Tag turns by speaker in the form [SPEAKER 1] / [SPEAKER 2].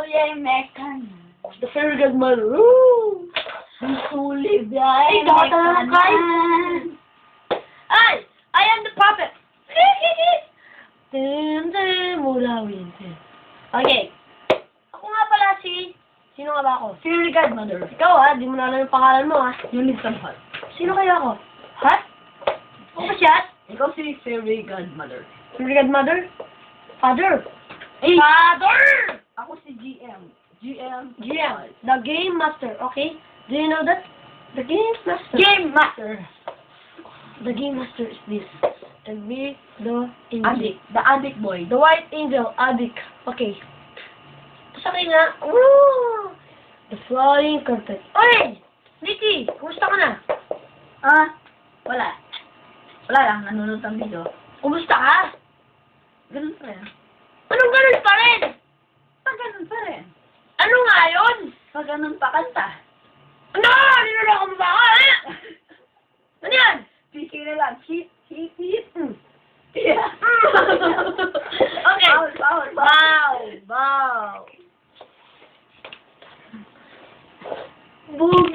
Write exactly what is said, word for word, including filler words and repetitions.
[SPEAKER 1] yung mekan.
[SPEAKER 2] The fairy godmother. Woo!
[SPEAKER 1] Sulit ya.
[SPEAKER 2] Ay, dakot na lang kayo. Ay! I am the puppet! Tin, tin, mulawin. Okay. Ako nga pala si... Sino nga ba ako?
[SPEAKER 1] Fairy godmother.
[SPEAKER 2] Ikaw ha, di mo na alam yung pangalan mo ha.
[SPEAKER 1] Unit Hot.
[SPEAKER 2] Sino kaya ako? Ha? Ako ba siya?
[SPEAKER 1] Ikaw si Fairy godmother.
[SPEAKER 2] Fairy godmother? Father?
[SPEAKER 1] Hey!
[SPEAKER 2] Father!
[SPEAKER 1] Ako si G M. G M.
[SPEAKER 2] G M. The Game Master, okay? Do you know that? The Game Master.
[SPEAKER 1] Game Master.
[SPEAKER 2] The Game Master is this. The big, the angel.
[SPEAKER 1] Adik. The Adik boy.
[SPEAKER 2] The White Angel, Adik. Okay. Sa akin nga, woo! The Flying Carpet. Oy! Nikki, kumusta ka na?
[SPEAKER 1] Ah? Wala. Wala lang. Nanonood ng video.
[SPEAKER 2] Kumusta ka?
[SPEAKER 1] Ganun pa rin.
[SPEAKER 2] Anong ganun pa rin?
[SPEAKER 1] Pag ganun pa rin.
[SPEAKER 2] Ano nga yun?
[SPEAKER 1] Pag ganun pa kanta.
[SPEAKER 2] Ano? Niloloko mo ba ako, eh? Ano yan?
[SPEAKER 1] Piki na lang. Hit, hit, hit. Mm.
[SPEAKER 2] Okay.
[SPEAKER 1] Bawal, bawal, bawal.
[SPEAKER 2] Bow, bow. Boom.